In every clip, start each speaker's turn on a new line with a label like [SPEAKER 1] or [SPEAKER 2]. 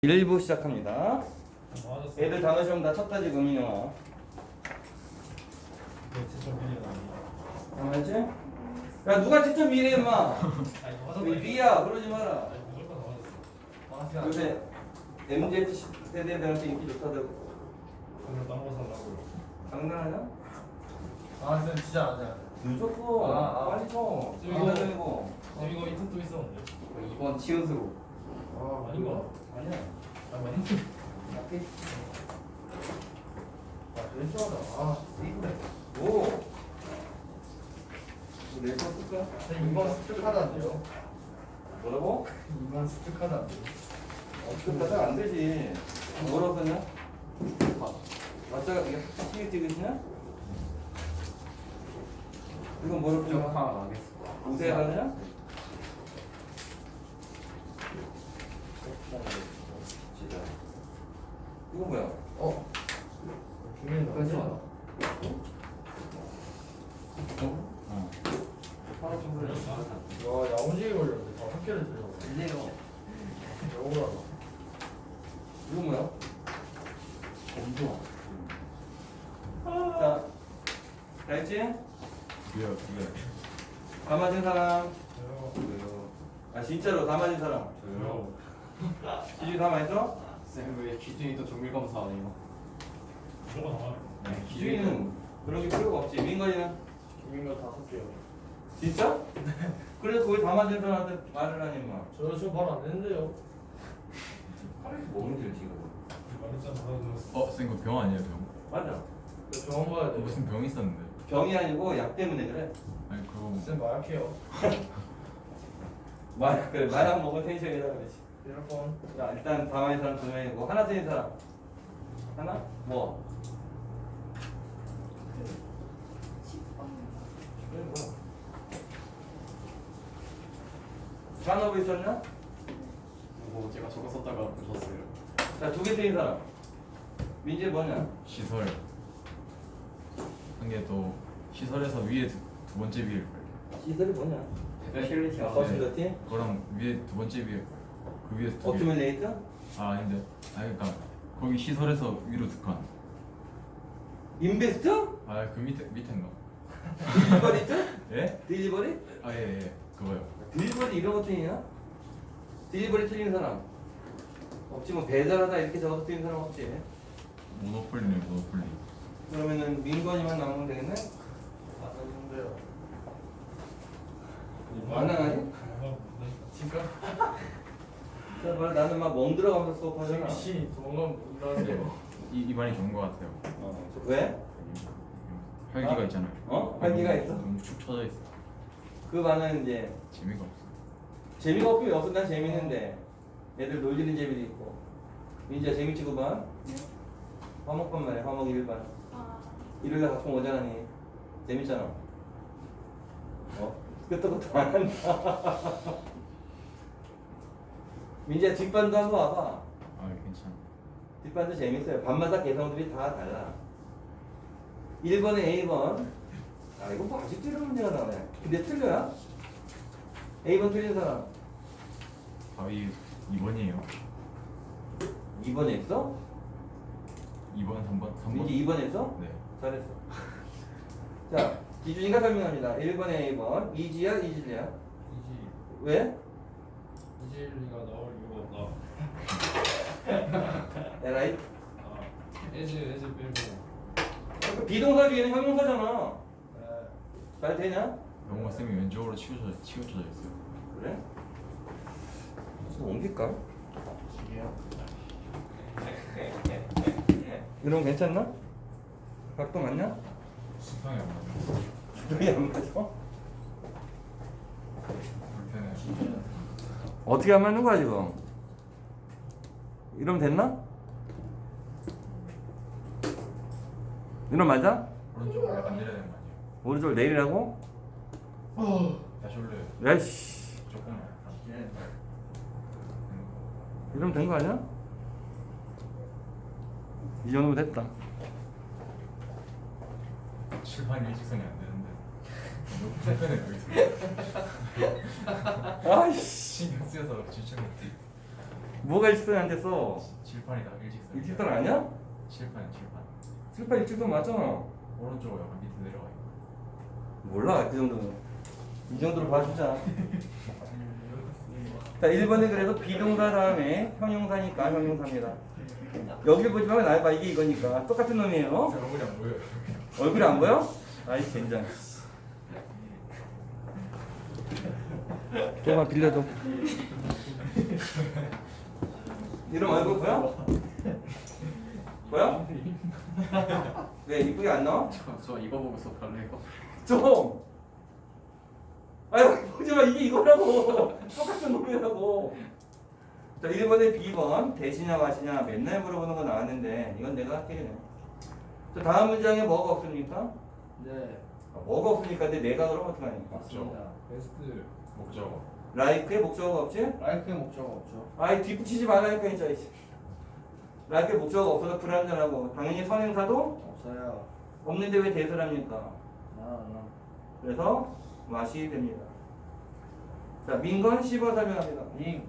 [SPEAKER 1] 1부 시작합니다. 애들 단어 시험 다 쳤다 지금 민영아. 알았지? 야 누가 직접 미래 임마. 미야 그러지 마라. 요새 MZ 세대들한테 인기 좋다더라고. 장난하냐?
[SPEAKER 2] 아 쌤 진짜 안 돼.
[SPEAKER 1] 늦었어. 빨리 쳐. 이거
[SPEAKER 3] 이거 이틀 또 있었는데.
[SPEAKER 1] 이번 치은수로.
[SPEAKER 3] 아닌가?
[SPEAKER 1] 아니야.
[SPEAKER 3] 맞지?
[SPEAKER 1] 맞게.
[SPEAKER 2] 왼쪽하다. 아
[SPEAKER 1] 세이브래. 오. 내거 쓸까?
[SPEAKER 2] 쌤 이번 습득하다는데요.
[SPEAKER 1] 뭐라고?
[SPEAKER 2] 이번 습득하다는데요.
[SPEAKER 1] 그러다 안 되지. 뭐라고 썼냐? 맞자가 이게 시계 찍으시냐? 이건 뭐라고
[SPEAKER 2] 좀
[SPEAKER 1] 썼냐?
[SPEAKER 2] 하나 나겠어.
[SPEAKER 1] 우세 하느냐? 이거 뭐야?
[SPEAKER 2] 중요한
[SPEAKER 1] 그렇지?
[SPEAKER 2] 거.
[SPEAKER 1] 하나 좀 그래.
[SPEAKER 2] 와 야무지게 걸렸는데 다 학교를 들려.
[SPEAKER 1] 일레요.
[SPEAKER 2] 억울하다.
[SPEAKER 1] 이거 뭐야?
[SPEAKER 2] 검도.
[SPEAKER 1] 자, 다 했지?
[SPEAKER 2] 두개요.
[SPEAKER 1] 다 맞은 사람?
[SPEAKER 3] 저요.
[SPEAKER 1] 아 진짜로 다 맞은 사람?
[SPEAKER 3] 저요.
[SPEAKER 1] 기준이 다 맞았어?
[SPEAKER 2] 쌤왜 기준이 또 정밀 검사 안 해요?
[SPEAKER 3] 무조건 나와요.
[SPEAKER 1] 기준이는 그런 게 필요가 없지. 민건이는?
[SPEAKER 2] 김민거 5개요.
[SPEAKER 1] 진짜? 그래서 그걸 다 맞은 사람한테 말을 하니 마.
[SPEAKER 2] 저 지금 바로 안 되는데요.
[SPEAKER 1] 하루에서 뭐 문제를 지금?
[SPEAKER 3] 말했잖아. 들었어.
[SPEAKER 4] 쌤 그 병 아니에요 병?
[SPEAKER 1] 맞아.
[SPEAKER 2] 저 병원 가야 돼.
[SPEAKER 4] 무슨 병 있었는데?
[SPEAKER 1] 병이 아니고 약 때문에 그래.
[SPEAKER 4] 아니 그거
[SPEAKER 2] 쌤 마약해요.
[SPEAKER 1] 그래 마약 먹은 텐션이라 그러지.
[SPEAKER 2] 이럴 건.
[SPEAKER 1] 자 일단 다 맞은 사람 2명이고 하나 틀린 사람 하나? 뭐? 그래 뭐야? 산업에 있었냐?
[SPEAKER 2] 뭐 제가 저거 썼다가 보셨어요.
[SPEAKER 1] 자 2개 틀린 사람 민재 뭐냐?
[SPEAKER 4] 시설 한 개 또 시설에서 위에 두 번째 비일 거예요.
[SPEAKER 1] 시설이 뭐냐?
[SPEAKER 2] 패실리티
[SPEAKER 1] 퍼실리티?
[SPEAKER 4] 그거랑 위에 두 번째 비일 거예요. 그 위에 두 개.
[SPEAKER 1] 오큐뮬레이트?
[SPEAKER 4] 아 아닌데. 아 그러니까 거기 시설에서 위로 두 칸.
[SPEAKER 1] 인베스트?
[SPEAKER 4] 아 그 밑에인가?
[SPEAKER 1] 딜리버리트?
[SPEAKER 4] 예?
[SPEAKER 1] 딜리버리?
[SPEAKER 4] 아 예. 그거요.
[SPEAKER 1] 딜리버리 이런 거 틀리냐? 딜리버리 틀린 사람 없지. 뭐 배달하다 이렇게 적어서 틀린 사람 없지.
[SPEAKER 4] 모노폴리네 모노폴리.
[SPEAKER 1] 그러면은 민건이만 나오면 되겠네?
[SPEAKER 2] 맞는데요.
[SPEAKER 1] 가능하니?
[SPEAKER 2] 지금
[SPEAKER 1] 자, 말 나는 막 멍 들어가면서 수업하잖아.
[SPEAKER 2] 씨 도망가면 못나는데요.
[SPEAKER 4] 이반이 좋은 거 같아요.
[SPEAKER 1] 왜?
[SPEAKER 4] 활기가 있잖아요.
[SPEAKER 1] 어? 활기가 있어?
[SPEAKER 4] 너무 축 처져 있어.
[SPEAKER 1] 그 반은 이제
[SPEAKER 4] 재미가 없어.
[SPEAKER 1] 재미가 없으면 없어. 난 재밌는데 애들 놀리는 재미도 있고. 민지야 재밌지 그 반? 화목반 말이야. 화목 1반. 일요일날 가끔 오잖아니. 재밌잖아. 끄떡끄떡 안 한다. 민지야 뒷반도 한번 와봐.
[SPEAKER 4] 아 괜찮아.
[SPEAKER 1] 뒷반도 재밌어요. 반마다 개성들이 다 달라. 1번에 A번. 아 이거 뭐 아직도 이런 문제가 나오네. 근데 틀려야? A번 틀린 사람.
[SPEAKER 4] 답이 2번이에요.
[SPEAKER 1] 2번 했어?
[SPEAKER 4] 2번 3번 3번.
[SPEAKER 1] 민지 2번 했어?
[SPEAKER 4] 네.
[SPEAKER 1] 잘했어. 자, 기준이가 설명합니다. 1번에 A번. 이지야, 이질이야?
[SPEAKER 3] 이지
[SPEAKER 1] 왜?
[SPEAKER 3] 이질리가 나올 이유가 없다.
[SPEAKER 1] 에라이?
[SPEAKER 3] 에즈 빼고.
[SPEAKER 1] 비동사 뒤에는 형용사잖아.
[SPEAKER 2] 네.
[SPEAKER 1] 잘 되냐?
[SPEAKER 4] 영어 쌤이 왼쪽으로 치우쳐져 있어요.
[SPEAKER 1] 그래? 좀 옮길까?
[SPEAKER 2] 지게요.
[SPEAKER 1] 이러면 괜찮나? 각도 맞냐?
[SPEAKER 4] 수평이 안 맞아.
[SPEAKER 1] 여기 안 맞아?
[SPEAKER 4] 불편해.
[SPEAKER 1] 어떻게 안 맞는 거야 지금? 이러면 됐나? 이러면 맞아?
[SPEAKER 4] 오른쪽으로 약간 내려야 되는 거 아니에요?
[SPEAKER 1] 오른쪽 내리라고?
[SPEAKER 4] 다시 올려요.
[SPEAKER 1] 야이씨.
[SPEAKER 4] 조금만.
[SPEAKER 1] 이러면 된 거 아니야? 이 정도면 됐다.
[SPEAKER 4] 출판 일직선이 안 되는데. 너무 불편해 여기서.
[SPEAKER 1] 아이씨.
[SPEAKER 4] 신경 쓰여서 집중 못해.
[SPEAKER 1] 뭐가 일직선이 안 됐어?
[SPEAKER 4] 칠판이다 일직선.
[SPEAKER 1] 일직선 아니야?
[SPEAKER 4] 칠판 칠판.
[SPEAKER 1] 7, 8 일직선 맞잖아.
[SPEAKER 4] 오른쪽으로 약간 밑에 내려가 있고.
[SPEAKER 1] 몰라 그 정도는. 이 정도로 봐주자. 자 1번에 그래서 비동사 다음에 형용사니까 형용사입니다. 여기 보지 말고 날 봐. 이게 이거니까 똑같은 놈이에요.
[SPEAKER 4] 제 얼굴이 안 보여요.
[SPEAKER 1] 얼굴이 안 보여? 아이 젠장. 좀만 빌려줘. 이런 얼굴 보여? 보여? 왜 이쁘게 안 나와?
[SPEAKER 5] 저 이거 보고 수업할래요?
[SPEAKER 1] 좀. 아유 보지 마. 이게 이거라고. 똑같은 놈이라고. 자 1번에 B번 대시냐 마시냐 맨날 물어보는 거 나왔는데 이건 내가 틀리네. 자 다음 문장에 뭐가 없습니까?
[SPEAKER 5] 네,
[SPEAKER 1] 뭐가 없으니까 근데 내가 그러면 어떡하니까?
[SPEAKER 5] 맞습니다.
[SPEAKER 3] 베스트.
[SPEAKER 4] 목적어.
[SPEAKER 1] 라이크에 목적어가 없지?
[SPEAKER 5] 라이크의 목적어 없죠.
[SPEAKER 1] 아이 뒷붙이지 말라니까 진짜. 라이크에 목적어가 없어서 불안전하고 당연히 선행사도
[SPEAKER 5] 없어요.
[SPEAKER 1] 없는데 왜 대수를 합니까?
[SPEAKER 5] 나.
[SPEAKER 1] 그래서 맛이 됩니다. 자 민건 씹어 설명합니다.
[SPEAKER 5] 링,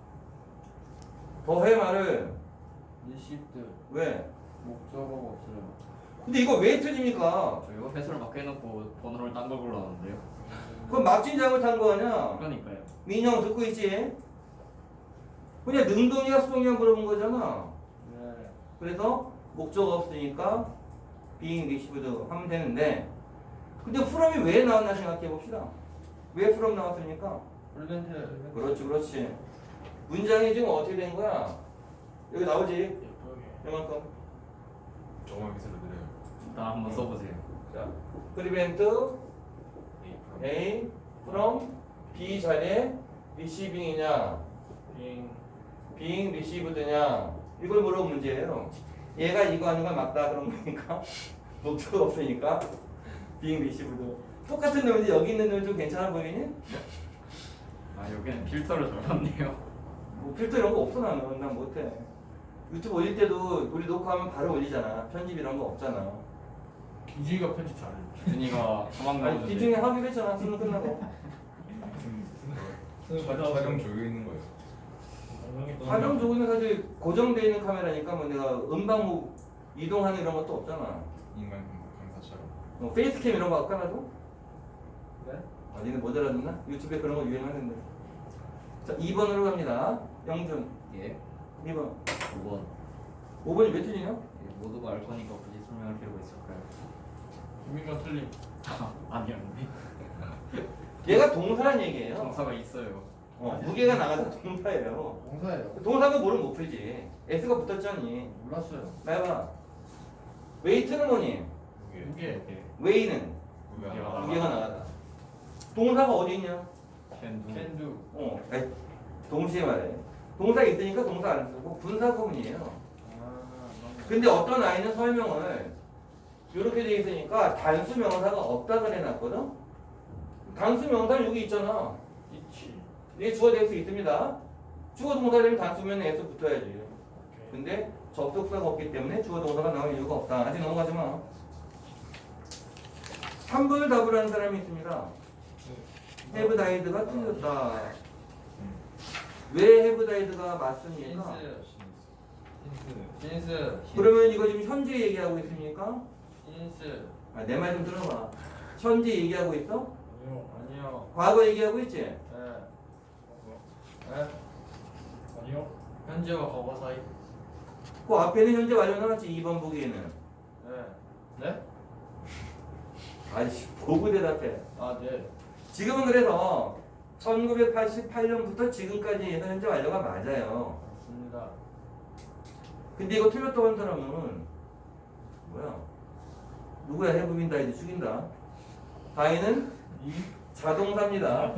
[SPEAKER 1] 더해 말을
[SPEAKER 5] 리시트,
[SPEAKER 1] 왜?
[SPEAKER 5] 목적어가 없어요.
[SPEAKER 1] 근데 이거 왜 틀립니까?
[SPEAKER 5] 저 이거 회수를 막 해놓고 번호를 딴 걸 골랐는데요.
[SPEAKER 1] 그건 막진 잘못한 거 아니야?
[SPEAKER 5] 그러니까요.
[SPEAKER 1] 민영 듣고 있지? 그냥 능동이야 수동이야 물어본 거잖아.
[SPEAKER 5] 네.
[SPEAKER 1] 그래서 목적어 없으니까 being received 하면 되는데 근데 from이 왜 나왔나 생각해 봅시다. 왜 from 나왔습니까?
[SPEAKER 5] 프리벤트.
[SPEAKER 1] 그렇지 그렇지. 문장이 지금 어떻게 된 거야? 여기 나오지?
[SPEAKER 2] 예쁘게.
[SPEAKER 1] 이만큼.
[SPEAKER 4] 조금만 밑으로 내려요.
[SPEAKER 5] 나 한번 써보세요.
[SPEAKER 1] 자, prevent A from B 자리에 receiving이냐
[SPEAKER 2] 링.
[SPEAKER 1] being received냐 이걸 물어본 문제예요. 얘가 이거 하는 건 맞다 그런 거니까 목적어 없으니까 being received. 똑같은 놈인데 여기 있는 놈 좀 괜찮아 보이니?
[SPEAKER 5] 아 여기는 필터를 적었네요.
[SPEAKER 1] 뭐 필터 이런 거 없어 나는. 난 못해. 유튜브 올릴 때도 우리 녹화하면 바로 올리잖아. 편집 이런 거 없잖아.
[SPEAKER 2] 기준이가 편집 잘해.
[SPEAKER 5] 준이가 도망
[SPEAKER 1] 아니
[SPEAKER 5] 나오는데.
[SPEAKER 1] 기중에 하기로 했잖아. 수능 끝나고.
[SPEAKER 4] 촬영 조여 있는 거예요.
[SPEAKER 1] 촬영 조그는 사실 고정되어 있는 카메라니까 뭐 내가 음방 뭐 이동하는 이런 것도 없잖아.
[SPEAKER 4] 인간 강사처럼.
[SPEAKER 1] 뭐 페이스캠 이런 거 깔아줘?
[SPEAKER 2] 네?
[SPEAKER 1] 아 니네 못 알아듣나? 유튜브에 그런 거 유행하는데. 자 2번으로 갑니다. 영준
[SPEAKER 5] 예.
[SPEAKER 1] 2번.
[SPEAKER 5] 5번.
[SPEAKER 1] 5번이 몇 틀리냐?
[SPEAKER 5] 모두가 알 거니까 굳이 설명할 필요가 있을까요?
[SPEAKER 2] 김민경 틀림.
[SPEAKER 5] 아니었는데.
[SPEAKER 1] 얘가 동사란 얘기예요.
[SPEAKER 5] 동사가 있어요.
[SPEAKER 1] 무게가 나가서 동사예요.
[SPEAKER 2] 동사예요.
[SPEAKER 1] 동사가 뭐를 못 풀지. S가 붙었잖니.
[SPEAKER 2] 몰랐어요.
[SPEAKER 1] 나해봐. 웨이트는 뭐니?
[SPEAKER 4] 무게.
[SPEAKER 2] 무게.
[SPEAKER 5] 이렇게
[SPEAKER 1] 웨이는
[SPEAKER 5] 무게가
[SPEAKER 1] 무게가 나가다. 동사가 어디 있냐?
[SPEAKER 5] 캔두.
[SPEAKER 2] 캔두.
[SPEAKER 1] 아니, 동시에 말해. 동사 있으니까 동사 안 쓰고 분사 구문이에요.
[SPEAKER 2] 아,
[SPEAKER 1] 근데 어떤 아이는 설명을 이렇게 돼 있으니까 단수 명사가 없다 그래놨거든. 단수 명사는 여기 있잖아.
[SPEAKER 2] 있지.
[SPEAKER 1] 이게 주어 될 수 있습니다. 주어 동사 되면 단수면 S 붙어야지.
[SPEAKER 2] 오케이.
[SPEAKER 1] 근데 접속사가 없기 때문에 주어 동사가 나올 이유가 없다. 아직 넘어가지 마. 3번을 답을 하는 사람이 있습니다. have died가 틀렸다. 왜 have died가 맞습니까?
[SPEAKER 2] 신스.
[SPEAKER 1] 그러면 이거 지금 현재 얘기하고 있습니까?
[SPEAKER 2] 신스.
[SPEAKER 1] 아, 내 말 좀 들어봐. 현재 얘기하고 있어?
[SPEAKER 2] 아니요.
[SPEAKER 1] 과거 얘기하고 있지?
[SPEAKER 2] 네. 네.
[SPEAKER 3] 아니요.
[SPEAKER 2] 현재와 과거 사이.
[SPEAKER 1] 그 앞에는 현재 완료 나왔지 2번 보기에는.
[SPEAKER 2] 네. 네?
[SPEAKER 1] 아이씨 보고 대답해.
[SPEAKER 2] 아 네.
[SPEAKER 1] 지금은 그래서 1988년부터 지금까지 해서 현재 완료가 맞아요.
[SPEAKER 2] 맞습니다.
[SPEAKER 1] 근데 이거 틀렸다고 한 사람은 뭐야? 누구야? 해부빈 다이드 죽인다. 다이는 자동사입니다.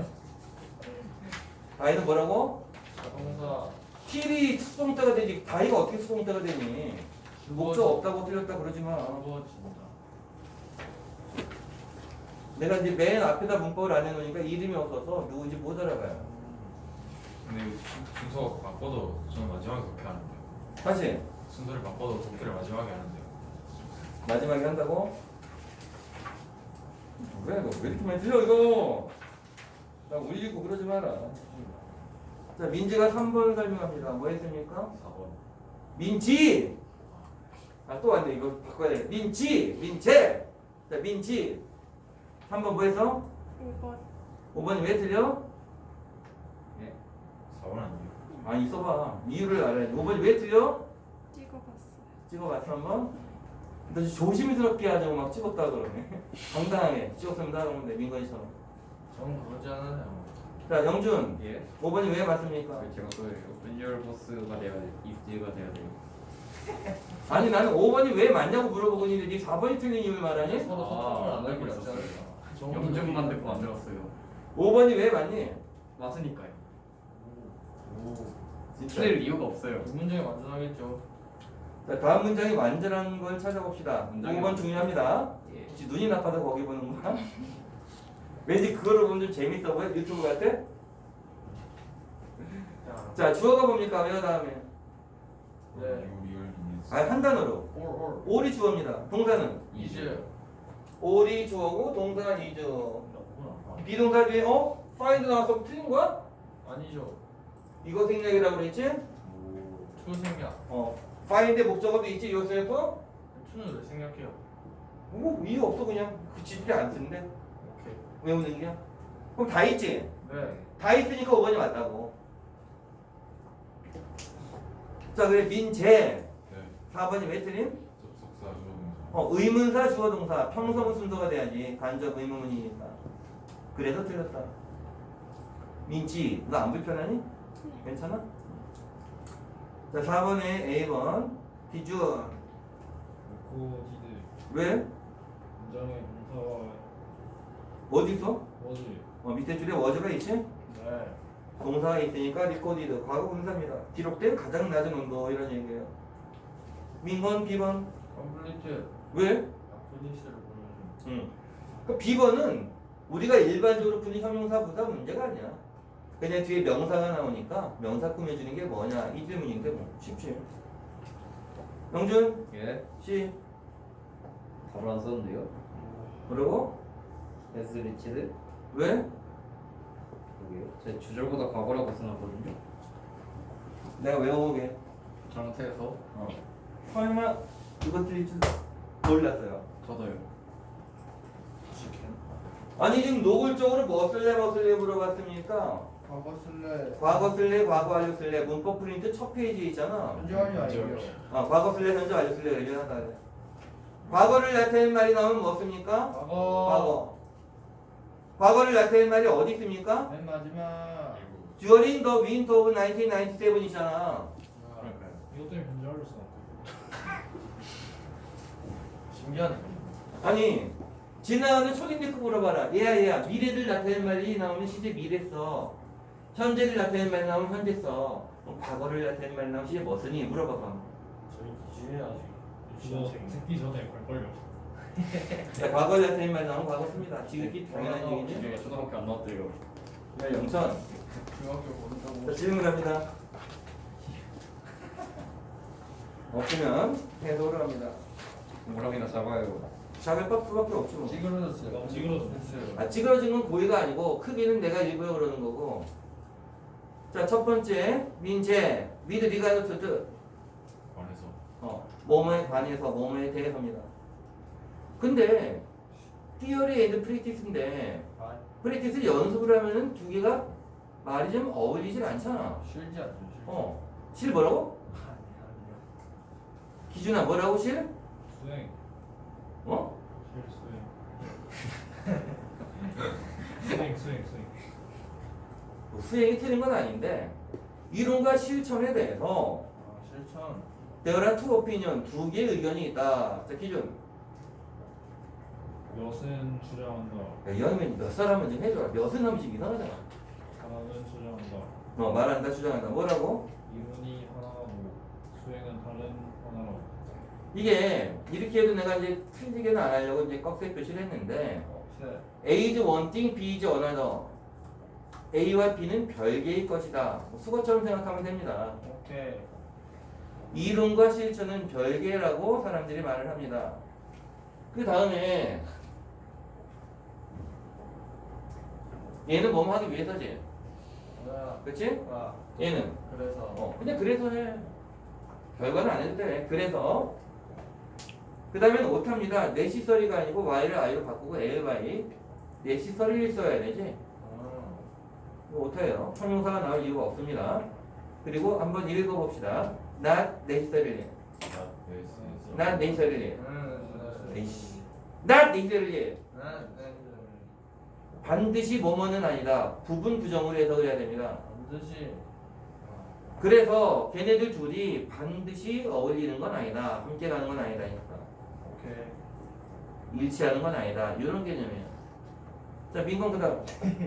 [SPEAKER 1] 다이는 뭐라고?
[SPEAKER 2] 자동사.
[SPEAKER 1] 킬이 수동태가 되지. 다이가 어떻게 수동태가 되니? 목적 없다고 틀렸다 그러지 마.
[SPEAKER 2] 주어진다.
[SPEAKER 1] 내가 이제 맨 앞에다 문법을 안 해놓으니까 이름이 없어서 누군지 못 알아봐요.
[SPEAKER 4] 근데 이거 순서 바꿔도 저는 마지막에 그렇게 하는데요.
[SPEAKER 1] 다시
[SPEAKER 4] 순서를 바꿔도 독해를 마지막에 하는데요.
[SPEAKER 1] 마지막에 한다고? 왜 이렇게 많이 틀려 이거? 나 울리고 그러지 마라. 자, 민지가 3번 설명합니다. 뭐 했습니까?
[SPEAKER 5] 4번.
[SPEAKER 1] 민지! 아, 또 안 돼. 이거 바꿔야 돼. 민지! 민재! 자, 민지. 3번 뭐 했어?
[SPEAKER 6] 5번
[SPEAKER 1] 5번이 왜 틀려?
[SPEAKER 5] 4번 아니에요?
[SPEAKER 1] 아니, 써봐. 이유를 알아야 돼. 5번이 왜 틀려?
[SPEAKER 6] 찍어봤어요.
[SPEAKER 1] 찍어봤어, 한번? 너 조심스럽게 하자고 막 찍었다 그러네. 당당하게 찍었으면 다 그러는데, 민건이처럼.
[SPEAKER 2] 저는 그러지 않아요.
[SPEAKER 1] 자, 영준.
[SPEAKER 5] 예?
[SPEAKER 1] 5번이 왜 맞습니까?
[SPEAKER 5] 제가 또예요. 은열 보스가 돼야 돼. 입지가 돼야 돼요.
[SPEAKER 1] 아니, 나는 5번이 왜 맞냐고 물어보고 있는데 네 4번이 틀린 이유를 말하니?
[SPEAKER 2] 서로 소통을 안 하기로 했잖아요.
[SPEAKER 5] 영준만 듣고 만들었어요.
[SPEAKER 1] 5번이 왜 맞니?
[SPEAKER 5] 맞으니까요.
[SPEAKER 1] 진짜.
[SPEAKER 5] 틀릴 이유가 없어요.
[SPEAKER 2] 두 문제가 완전하겠죠.
[SPEAKER 1] 자, 다음 문장이 완전한 걸 찾아봅시다.
[SPEAKER 5] 문장이
[SPEAKER 1] 5번 중요합니다.
[SPEAKER 5] 예.
[SPEAKER 1] 혹시 눈이 나빠서 거기 보는 거야? 왠지 그거를 보면 좀 재밌어 보여? 유튜브 같아?
[SPEAKER 2] 자,
[SPEAKER 1] 자, 주어가 뭡니까? 외워 다음에.
[SPEAKER 2] 네.
[SPEAKER 1] 아니, 한 단어로.
[SPEAKER 2] 올.
[SPEAKER 1] 올이 주어입니다. 동사는?
[SPEAKER 2] 이즈.
[SPEAKER 1] 올이 주어고 동사는 is.
[SPEAKER 2] 너무나.
[SPEAKER 1] 비동사 뒤에 find 나와서 틀린 거야?
[SPEAKER 2] 아니죠.
[SPEAKER 1] 이거 생략이라고 그랬지?
[SPEAKER 2] 투 생략.
[SPEAKER 1] find의 목적어도 있지 요새에서?
[SPEAKER 2] 투는 왜 생략해요?
[SPEAKER 1] 뭐 이유 없어 그냥 그 지들이 안 쓰는데
[SPEAKER 2] 오케이.
[SPEAKER 1] 외우는 얘기야? 그럼 다 있지?
[SPEAKER 2] 네.
[SPEAKER 1] 다 있으니까 5번이 맞다고. 자, 그래 민재 4번이 왜 틀림?
[SPEAKER 3] 접속사 주어동사.
[SPEAKER 1] 의문사 주어동사 평소문 순서가 돼야지 간접 의문문이니까. 그래서 틀렸다. 민지 너 안 불편하니? 괜찮아? 자, 4번에 A번 기준.
[SPEAKER 3] 코디드.
[SPEAKER 1] 왜?
[SPEAKER 3] 문장의 동사와
[SPEAKER 1] 어디 있어?
[SPEAKER 3] 워즈.
[SPEAKER 1] 밑에 줄에 워즈가 있지?
[SPEAKER 2] 네.
[SPEAKER 1] 동사가 있으니까 리코디드 과거 분사입니다. 기록된 가장 낮은 온도 이런 얘기예요. 민건 B번
[SPEAKER 2] 컴플리트.
[SPEAKER 1] 왜?
[SPEAKER 2] 아프니스를 보여줘.
[SPEAKER 1] 그 B번은 우리가 일반적으로 푸는 형용사 부사 문제가 아니야. 그냥 뒤에 명사가 나오니까 명사 꾸며주는 게 뭐냐 이 질문인데 뭐 쉽지. 영준
[SPEAKER 5] 예?
[SPEAKER 1] C
[SPEAKER 5] 답을 안 썼는데요?
[SPEAKER 1] 뭐라고?
[SPEAKER 5] 에스 리치드?
[SPEAKER 1] 왜?
[SPEAKER 5] 그게요? 제 주절보다 과거라고 써놨거든요.
[SPEAKER 1] 내가 외워보게.
[SPEAKER 5] 잘못해서.
[SPEAKER 1] 설마 이거 틀릴 줄 몰랐어요.
[SPEAKER 4] 저도요.
[SPEAKER 1] 아니 지금 노골적으로 뭐 쓸래 물어봤습니까?
[SPEAKER 2] 과거 쓸래.
[SPEAKER 1] 과거 쓸래 과거 완료 쓸래 문법 프린트 첫 페이지에 있잖아.
[SPEAKER 2] 현재 완료 아니에요.
[SPEAKER 1] 과거 쓸래 현재 완료 쓸래 얘기하다 그래. 과거를 나타내는 말이 나오면 뭐 씁니까?
[SPEAKER 2] 과거.
[SPEAKER 1] 과거를 나타내는 말이 어디 있습니까?
[SPEAKER 2] 맨 마지막.
[SPEAKER 1] During the winter of 1997이잖아.
[SPEAKER 5] 그러니까요.
[SPEAKER 3] 이것 때문에 현재 완료 써.
[SPEAKER 2] 신기하네.
[SPEAKER 1] 아니 지나가는 초딩 듣고 물어봐라. 얘야 미래를 나타내는 말이 나오면 시제 미래 써. 현재를 나타내는 말이 나오면 현재 써. 그럼 과거를 나타내는 말이 나오면 시제 뭐 쓰니? 물어봐봐.
[SPEAKER 2] 저희 기준이 아직
[SPEAKER 3] 이거 듣기 전에 걸걸요.
[SPEAKER 1] 야, 과거를 나타내는 말이 나오면 과거 씁니다. 지극히 당연한
[SPEAKER 2] 과거
[SPEAKER 1] 얘기지.
[SPEAKER 5] 이게 초등학교 안 나왔대요.
[SPEAKER 1] 야 영천.
[SPEAKER 2] 중학교
[SPEAKER 1] 자,
[SPEAKER 2] 본다고.
[SPEAKER 1] 질문합니다. 없으면 해석을 합니다.
[SPEAKER 5] 뭐랑이나 잡아요.
[SPEAKER 1] 작을 수밖에 없지 뭐.
[SPEAKER 2] 찌그러졌어요.
[SPEAKER 3] 찌그러졌어요.
[SPEAKER 1] 찌그러진 건 고의가 아니고 크기는 내가 일부러 그러는 거고. 자, 첫 번째 민재 미드 리가드 투드
[SPEAKER 3] 관해서.
[SPEAKER 1] 뭐뭐에 관해서 뭐뭐에 대해서입니다. 근데 티어리 앤드 프랙티스인데
[SPEAKER 2] 아,
[SPEAKER 1] 프랙티스 연습을 하면은 두 개가 말이 좀 어울리질 않잖아.
[SPEAKER 2] 실지 않죠.
[SPEAKER 1] 실 뭐라고?
[SPEAKER 2] 아니요.
[SPEAKER 1] 기준아 뭐라고 실?
[SPEAKER 3] 수행. 수행. 수행.
[SPEAKER 1] 수행이 틀린 건 아닌데 이론과 실천에 대해서
[SPEAKER 2] 실천.
[SPEAKER 1] there are two opinion 두 개의 의견이 있다. 자, 기준.
[SPEAKER 3] 몇은 주장한다.
[SPEAKER 1] 야, 이 아니면 몇 사람은 좀 해줘라. 몇은 하면 지금 이상하잖아.
[SPEAKER 3] 하나는 주장한다.
[SPEAKER 1] 말한다 주장한다. 뭐라고?
[SPEAKER 3] 이론이 하나고 수행은 다른 하나라고.
[SPEAKER 1] 이게 이렇게 해도 내가 이제 틀리게는 안 하려고 이제 꺽쇠 표시를 했는데
[SPEAKER 2] 네.
[SPEAKER 1] A is one thing, B is another. A와 B는 별개의 것이다. 수거처럼 생각하면 됩니다.
[SPEAKER 2] 오케이.
[SPEAKER 1] 이론과 실천은 별개라고 사람들이 말을 합니다. 그 다음에 얘는 뭐뭐 하기 위해서지. 그렇지?
[SPEAKER 2] 아
[SPEAKER 1] 얘는
[SPEAKER 2] 그래서
[SPEAKER 1] 그냥 그래서 해. 결과는 안 해도 돼. 그래서 그 다음에는 오타입니다. 내시설이가 아니고 y를 i로 바꾸고 a를 y. 내시설을 써야 되지. 이거 오타예요. 형용사가 나올 이유가 없습니다. 그리고 한번 읽어봅시다. not necessarily. not necessarily. 에이씨. not necessarily. 반드시 뭐뭐는 아니다. 부분 부정으로 해석을 해야 됩니다.
[SPEAKER 2] 반드시
[SPEAKER 1] 그래서 걔네들 둘이 반드시 어울리는 건 아니다. 함께 가는 건 아니다.
[SPEAKER 2] 오케이
[SPEAKER 1] 일치하는 건 아니다. 이런 개념이에요. 자, 민건 그다음.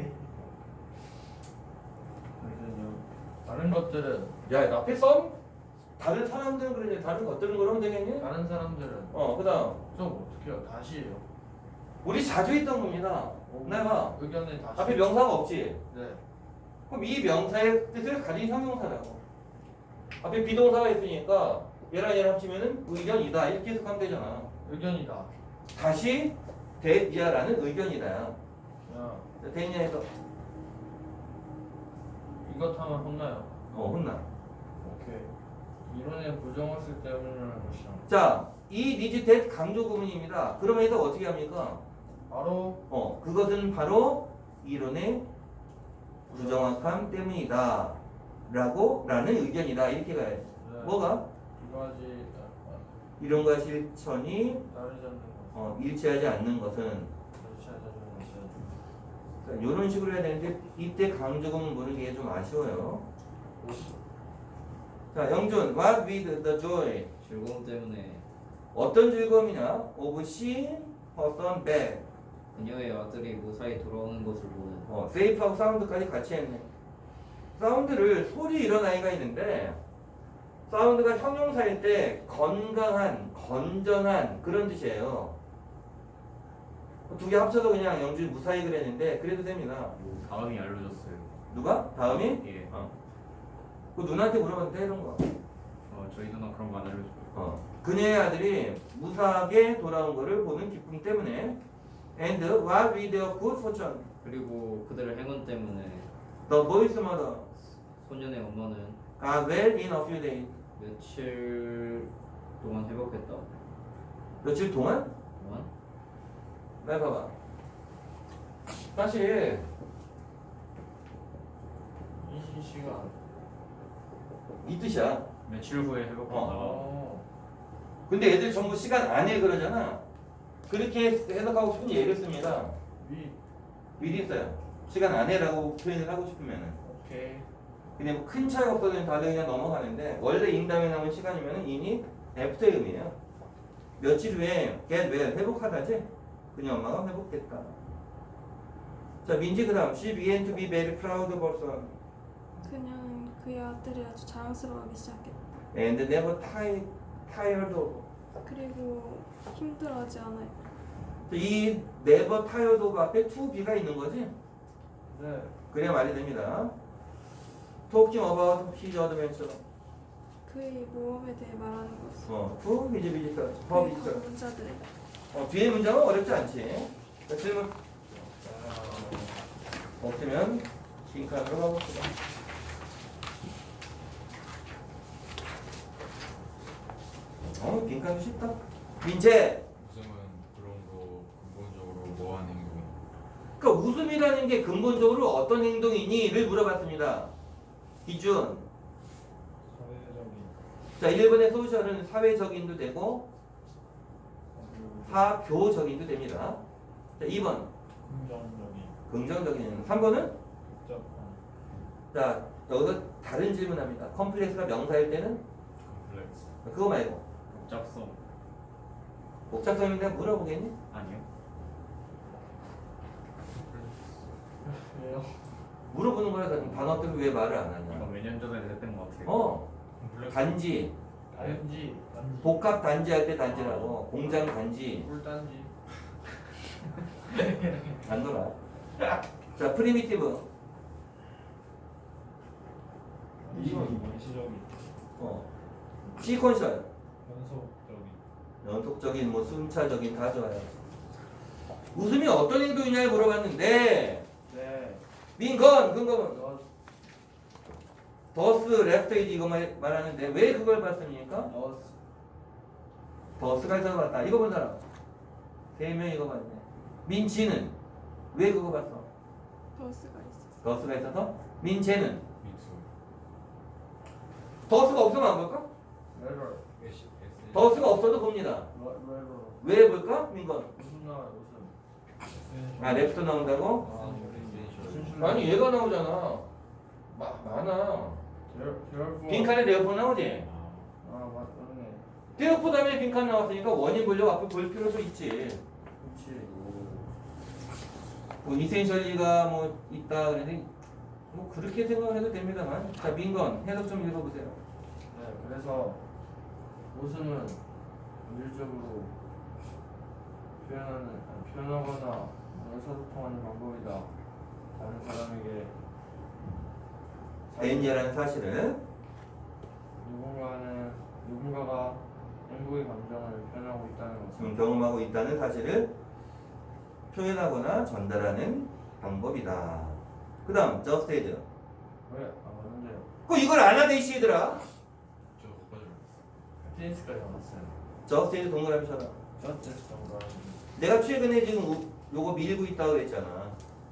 [SPEAKER 2] 잠시만요. 다른 것들은
[SPEAKER 1] 야, 나 앞에 썸? 다른 사람들은 그러지. 다른 것들은 그러면 되겠니?
[SPEAKER 2] 다른 사람들은
[SPEAKER 1] 그다음.
[SPEAKER 2] 좀 어떻게 해요? 다시 해요.
[SPEAKER 1] 우리 자주 했던 겁니다. 내가
[SPEAKER 2] 의견을 다시
[SPEAKER 1] 앞에 명사가 없지.
[SPEAKER 2] 네
[SPEAKER 1] 그럼 이 명사의 뜻을 가진 형용사라고. 앞에 비동사가 있으니까 얘랑 얘랑 합치면은 의견이다 이렇게 해석하면 되잖아.
[SPEAKER 2] 의견이다.
[SPEAKER 1] 다시 대이하라는 의견이다.
[SPEAKER 2] 야
[SPEAKER 1] 대인야에서
[SPEAKER 2] 이것 하면 혼나요.
[SPEAKER 1] 혼나.
[SPEAKER 2] 오케이 이론의 부정학습 때문이라는 것이야.
[SPEAKER 1] 자, 이 니즈 대 강조 구문입니다. 그러면서 어떻게 합니까?
[SPEAKER 2] 바로
[SPEAKER 1] 그것은 바로 이론의 부정확함 때문이다. 라는 의견이다. 이렇게 가야지.
[SPEAKER 2] 네.
[SPEAKER 1] 뭐가?
[SPEAKER 2] 두 가지
[SPEAKER 1] 이론과 실천이
[SPEAKER 2] 다르지 않는 것.
[SPEAKER 1] 일치하지 않는 것은
[SPEAKER 2] 그렇지 않는 것은
[SPEAKER 1] 이런 식으로 해야 되는데 이때 강조구문 모르는 게 좀 아쉬워요. 자, 영준, what with the joy?
[SPEAKER 5] 즐거움 때문에
[SPEAKER 1] 어떤 즐거움이냐? of seeing her son back.
[SPEAKER 5] 그녀의 아들이 무사히 돌아오는 것을 보는
[SPEAKER 1] 세이프하고 사운드까지 같이 했네. 사운드를 소리 이런 아이가 있는데 사운드가 형용사일 때 건강한, 건전한 그런 뜻이에요. 두 개 합쳐서 그냥 영준 무사히 그랬는데 그래도 됩니다.
[SPEAKER 5] 다음이 알려줬어요.
[SPEAKER 1] 누가? 다음이?
[SPEAKER 5] 예.
[SPEAKER 1] 그 누나한테 물어봐도 돼 이런 거.
[SPEAKER 5] 저희 누나 그런 거 안 알려줘요.
[SPEAKER 1] 그녀의 아들이 무사하게 돌아온 것을 보는 기쁨 때문에 and what with their good fortune.
[SPEAKER 5] 그리고 그들의 행운 때문에
[SPEAKER 1] The boy's mother
[SPEAKER 5] 소년의 엄마는
[SPEAKER 1] got well in a few days.
[SPEAKER 5] 며칠 동안 회복했다.
[SPEAKER 1] 며칠 동안?
[SPEAKER 5] 동안?
[SPEAKER 1] 나 봐봐. 사실
[SPEAKER 2] 이 시간.
[SPEAKER 1] 이 뜻이야.
[SPEAKER 3] 며칠 후에 회복한다.
[SPEAKER 1] 근데 애들 전부 시간 안에 그러잖아. 그렇게 해석하고 싶은 예를 씁니다. 미리 써요. 시간 안에라고 표현을 하고 싶으면은.
[SPEAKER 2] 오케이.
[SPEAKER 1] 근데 뭐 큰 차이 없어서 다들 그냥 넘어가는데 원래 인 다음에 나온 시간이면은 in이 after의 의미예요. 며칠 후에 get well 회복하다지. 그녀 엄마가 회복됐다. 자, 민지 그다음 she began to be very proud of her son
[SPEAKER 6] 그녀는 그의 아들이 아주 자랑스러워하기 시작했다.
[SPEAKER 1] and never tired of.
[SPEAKER 6] 그리고 힘들어하지 않아요.
[SPEAKER 1] 이 never tired of 앞에 to be가 있는 거지.
[SPEAKER 2] 네.
[SPEAKER 1] 그래야 말이 됩니다. Talking about his adventure.
[SPEAKER 6] 그의 모험에 대해 말하는 것은
[SPEAKER 1] to his visitor. her
[SPEAKER 6] 그의
[SPEAKER 1] visitor.
[SPEAKER 6] 방문자들에
[SPEAKER 1] 뒤에 문장은 어렵지 않지. 자, 질문 없으면 빈칸으로 가봅시다. 빈칸도 쉽다. 민재.
[SPEAKER 4] 웃음은 그런 거 근본적으로 뭐하는 행동이?
[SPEAKER 1] 그러니까 웃음이라는 게 근본적으로 어떤 행동이니?를 물어봤습니다. 기준.
[SPEAKER 3] 사회적인
[SPEAKER 1] 자, 1번의 소셜은 사회적인도 되고 사교적인도 됩니다. 자, 2번
[SPEAKER 3] 긍정적인
[SPEAKER 1] 긍정적인. 3번은
[SPEAKER 3] 복잡한
[SPEAKER 1] 자, 여기서 다른 질문합니다. 컴플렉스가 명사일 때는
[SPEAKER 3] 컴플렉스
[SPEAKER 1] 그거 말고
[SPEAKER 5] 복잡성
[SPEAKER 1] 복잡성인데 물어보겠니?
[SPEAKER 5] 아니요.
[SPEAKER 2] 왜요?
[SPEAKER 1] 물어보는 거야. 단어들을 왜 말을 안
[SPEAKER 5] 이거
[SPEAKER 1] 하냐?
[SPEAKER 5] 몇 년 전에 했던 것 같아요.
[SPEAKER 3] 컴플렉스
[SPEAKER 1] 단지
[SPEAKER 2] 단지.
[SPEAKER 1] 복합 단지 할 때 단지라고. 공장 단지
[SPEAKER 2] 꿀단지.
[SPEAKER 1] 안 놀아. 자, 프리미티브.
[SPEAKER 3] 원시적인
[SPEAKER 1] 시퀀셜.
[SPEAKER 3] 연속적인
[SPEAKER 1] 연속적인, 뭐 순차적인 다 좋아요. 웃음이 어떤 행동이냐를 물어봤는데
[SPEAKER 2] 네.
[SPEAKER 1] 민건 근거는 더스 레프트이지 이거 말하는데 왜 그걸 봤습니까? 더스가 있어서 봤다. 이거 본 사람 3명 이거 봤네. 민지는 왜 그거 봤어?
[SPEAKER 6] 더스가 있었어.
[SPEAKER 1] 더스가 있어서. 민재는
[SPEAKER 4] 미투.
[SPEAKER 1] 더스가 없으면 안 볼까?
[SPEAKER 2] 레벨.
[SPEAKER 1] 더스가 없어도 봅니다.
[SPEAKER 2] 레벨.
[SPEAKER 1] 왜 볼까? 민건.
[SPEAKER 2] 무슨 나와요 무슨?
[SPEAKER 1] 아 레프트 나온다고?
[SPEAKER 2] 아 우리
[SPEAKER 1] 아니 얘가 나오잖아. 많아.
[SPEAKER 2] 데어포.
[SPEAKER 1] 빈칸에 레오포 나오지?
[SPEAKER 2] 아 맞네.
[SPEAKER 1] 데어포 다음에 빈칸 나왔으니까 원인 보려고 앞에 볼 필요도 있지.
[SPEAKER 2] 그렇지.
[SPEAKER 1] 뭐 이센셜리가 뭐 있다 그랬는데 뭐 그렇게 생각해도 됩니다만. 자 민건 해석 좀 읽어보세요.
[SPEAKER 2] 네 그래서 모순은 물질적으로 표현하거나 의사소통하는 방법이다. 다른 사람에게
[SPEAKER 1] 대인이라는 사실을
[SPEAKER 2] 누군가가 행복의 감정을 표현하고 있다는 것은
[SPEAKER 1] 경험하고 있다는 사실을 표현하거나 전달하는 방법이다. 그 다음 just as.
[SPEAKER 2] 왜? 아 맞는데요.
[SPEAKER 1] 그 이걸 안 하대 이씨들아.
[SPEAKER 4] 저 거기까지
[SPEAKER 2] 테니스까지 나왔어요.
[SPEAKER 1] just as 동그라미 쳐라.
[SPEAKER 2] 저스티스 정도.
[SPEAKER 1] 내가 최근에 지금 요거 밀고 있다고 그랬잖아.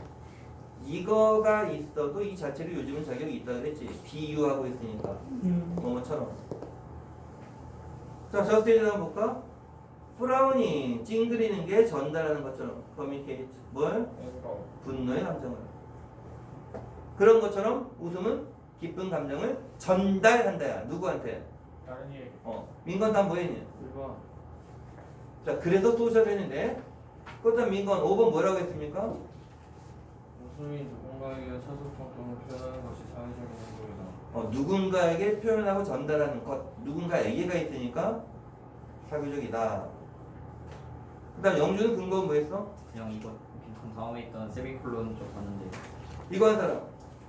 [SPEAKER 1] 이거가 있어도 이 자체로 요즘은 자격이 있다고 그랬지. 비유하고 있으니까. 뭐뭐처럼. 자, just as 한번 볼까? 프라우닝 찡그리는 게 전달하는 것처럼 communicate 뭘? 분노의 감정을. 그런 것처럼 웃음은 기쁜 감정을 전달한다야. 누구한테?
[SPEAKER 2] 다른 얘기.
[SPEAKER 1] 민건 다 뭐했니?
[SPEAKER 2] 1번.
[SPEAKER 1] 자, 그래서 소셜 했는데 그렇다면 민건 5번 뭐라고 했습니까?
[SPEAKER 2] 웃음이 누군가에게 의사소통을 표현하는 것이 사회적인 행동이다.
[SPEAKER 1] 누군가에게 표현하고 전달하는 것. 누군가에게가 있으니까 사교적이다. 그 다음 영주는 근거는 뭐 했어?
[SPEAKER 5] 그냥 이거 빈칸 다음에 있던 세미콜론 쪽 봤는데
[SPEAKER 1] 이거 한 사람.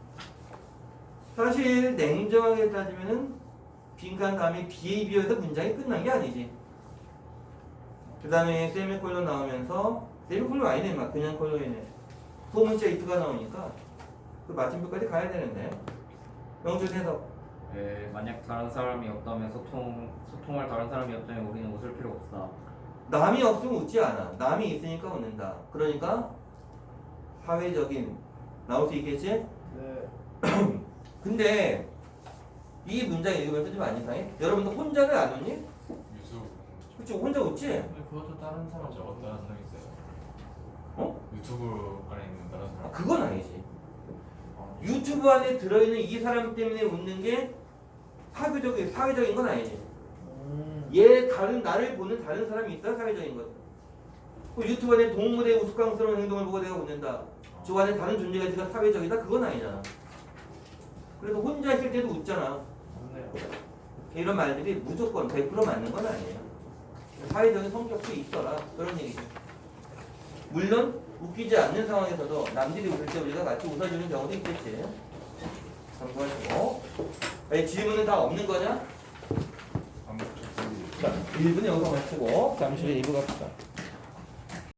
[SPEAKER 1] 사실 냉정하게 따지면은 빈칸 다음에 B에 비해서 문장이 끝난 게 아니지. 그 다음에 세미콜론 나오면서 세미콜론 아니네 막 그냥 콜론이네. 소문자 if가 나오니까 그 마침표까지 가야 되는데. 영준 해석.
[SPEAKER 5] 만약 다른 사람이 없다면 소통할 다른 사람이 없다면 우리는 웃을 필요 없다.
[SPEAKER 1] 남이 없으면 웃지 않아. 남이 있으니까 웃는다. 그러니까 사회적인 나올 수 있겠지?
[SPEAKER 2] 네.
[SPEAKER 1] 근데 이 문장 읽으면서 좀 안 이상해? 여러분들 혼자는 안 웃니?
[SPEAKER 4] 유튜브
[SPEAKER 1] 그치 혼자 웃지?
[SPEAKER 2] 근데 그것도 다른 사람
[SPEAKER 4] 저거 다른 사람 있어요.
[SPEAKER 1] 어?
[SPEAKER 4] 유튜브 안에 있는 다른 사람.
[SPEAKER 1] 그건 아니지. 유튜브 안에 들어있는 이 사람 때문에 웃는 게 사회적인 건 아니지. 얘 나를 보는 다른 사람이 있어야 사회적인 거지. 그 유튜브 안에 동물의 우스꽝스러운 행동을 보고 내가 웃는다. 저 안에 다른 존재가 있으니까 사회적이다? 그건 아니잖아. 그래서 혼자 있을 때도 웃잖아.
[SPEAKER 2] 맞네요.
[SPEAKER 1] 이런 말들이 무조건 100% 맞는 건 아니에요. 사회적인 성격도 있어라. 그런 얘기죠. 물론 웃기지 않는 상황에서도 남들이 웃을 때 우리가 같이 웃어주는 경우도 있겠지. 참고하시고. 질문은 다 없는 거냐?
[SPEAKER 4] 안 붙였어요.
[SPEAKER 1] 자, 1분 여기서 마치고 잠시 후에 2부 갑시다.